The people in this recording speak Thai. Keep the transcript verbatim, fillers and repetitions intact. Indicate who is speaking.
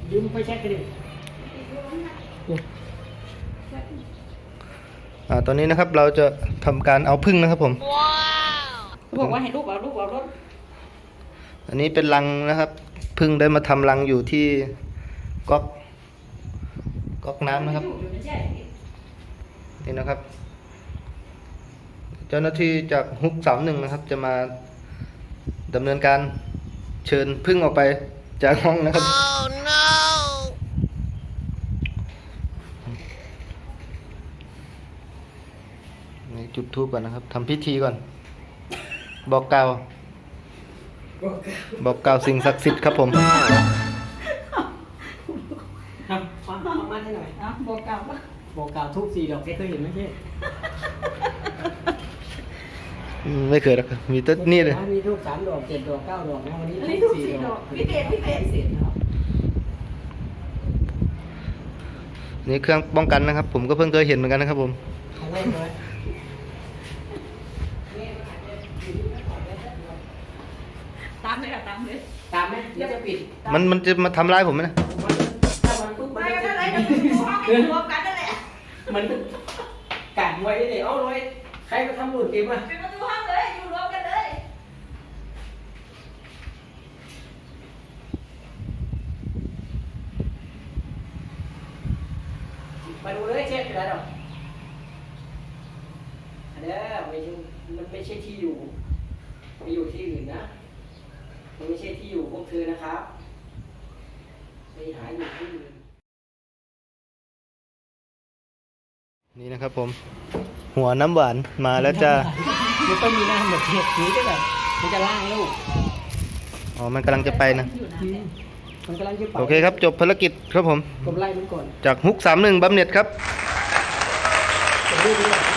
Speaker 1: ยืมไปเช็คกันดิ
Speaker 2: อ่าตอนนี้นะครับเราจะทำการเอาพึ่งนะครับผม
Speaker 3: บอกว่าให้ลูกเอาลูกเอารถ
Speaker 2: อันนี้เป็นรังนะครับพึ่งได้มาทำรังอยู่ที่ก๊อกก๊อกน้ำนะครับนี่นะครับเจ้าหน้าที่จากฮุกสามหนึ่งนะครับจะมาดำเนินการเชิญพึ่งออกไปจากห้องนะครับ oh, no. นี่จุดธูปก่อนนะครับทำพิธีก่อนบอกกล่าวบอกกล่าวสิ่งศักดิ์สิทธิ์ครับผม
Speaker 1: ครับฟังฟังมาให้หน่อยนะบอกกล่าวปะบอกกล่าวทุกสี่ดอกแกเคยเห็นไหมเช่
Speaker 2: ไม่เคยหรอกมีต้นนี่เลย
Speaker 1: มีทุกสามดอกเจ็ดดอกเก้าดอกนะวันนี้
Speaker 3: ทุกสี่ดอกพิเศษพิเศษสิ
Speaker 2: นี่เครื่องป้องกันนะครับผมก็เพิ่งเคยเห็นเหมือนกันนะครับผม
Speaker 3: ตามเลยอะตามเลย
Speaker 1: ตามไหมเดี๋ยวจะปิด
Speaker 2: มันมันจะมาทำร้ายผมไหมนะ
Speaker 3: ไม่ก็ได้เลยมันห้องรวมกันนั่นแหละ
Speaker 1: มันกัดไว้เลยเอาเลยใครมาทำหลุดเกมอ่ะ
Speaker 3: เป็นประตูห้องเลยอยู่รวมกันเลย
Speaker 1: มาดูเลยเช็คได้หรออันนี้ไม่ใช่มันไม่ใช่ที่อยู่ไปอยู่ที่อื่นนะมันไม่ใช่ที่อยู่พวกเธอนะครับไปหาอยู่ที่อื่น
Speaker 2: นี่นะครับผมหัวน้ำหวานมาแล้วจะ
Speaker 1: มันต้องมีหน้าเหมือนเห็ดนี้ด้วยแบบมันจะล่างลูก
Speaker 2: อ๋อมันกำลังจะไปนะ
Speaker 1: มันกำลังจะไป
Speaker 2: โอเคครับจบภารกิจครับผม
Speaker 1: ผมไล่มันก่อน
Speaker 2: จากฮุกสามหนึ่งบำเหน็จครับ